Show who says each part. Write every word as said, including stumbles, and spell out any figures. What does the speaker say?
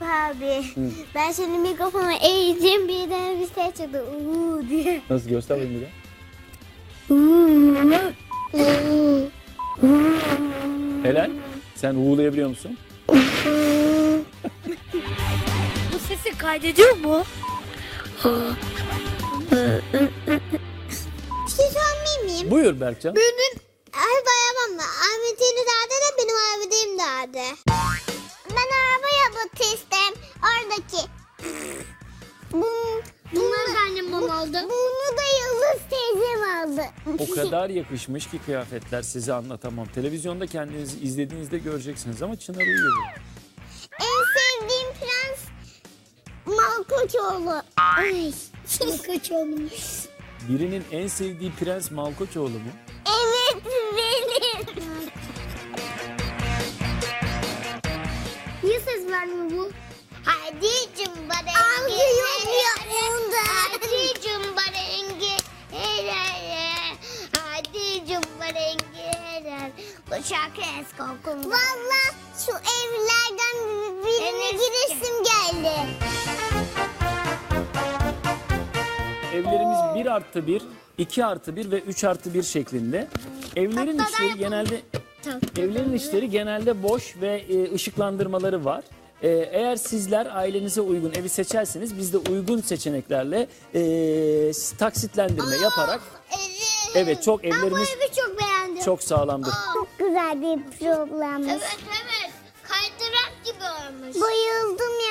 Speaker 1: abi. Hı. Ben şimdi mikrofonu eğeceğim, birden bir ses çıktı. Uuu diye.
Speaker 2: Nasıl, göster bakayım bir de. Helal. Sen uğulayabiliyor musun?
Speaker 3: Bu sesi kaydediyor mu?
Speaker 1: Bir şey sormayayım mıyım?
Speaker 2: Buyur Berkcan.
Speaker 1: Benim ay bayamam da Ahmet'in dağda da benim Ahmet'im dağda. Ben araba yapıp istem. Oradaki. Bunu,
Speaker 3: Bunları da annem bana aldı.
Speaker 1: bunu da Yıldız teyzem aldı.
Speaker 2: O kadar yakışmış ki kıyafetler, size anlatamam. Televizyonda kendinizi izlediğinizde göreceksiniz ama Çınar uyuyor.
Speaker 1: En sevdiğim prens Malkoçoğlu. Ay.
Speaker 3: Malkoçoğlu.
Speaker 2: Birinin en sevdiği prens Malkoçoğlu mu?
Speaker 1: Evet benim.
Speaker 3: Niye ses vermiyor bu?
Speaker 1: Hadi cumbarengi. Algı
Speaker 3: Hadi cumbarengi.
Speaker 1: Hadi cumbarengi. Bu şarkı eski okulda. Valla şu evlerden birine giresim geldi.
Speaker 2: Evlerimiz bir artı bir, iki artı bir ve üç artı bir şeklinde. Evlerin içleri genelde evlerin içleri genelde boş ve e, ışıklandırmaları var. E, eğer sizler ailenize uygun evi seçerseniz biz de uygun seçeneklerle e, taksitlendirme yaparak
Speaker 1: Evet.
Speaker 2: evet çok
Speaker 1: Ben bu
Speaker 2: evlerimiz
Speaker 1: evi çok beğendim.
Speaker 2: çok sağlamdır.
Speaker 1: Çok güzel bir programmış.
Speaker 3: Evet evet. Kaydırak gibi olmuş.
Speaker 1: Bayıldım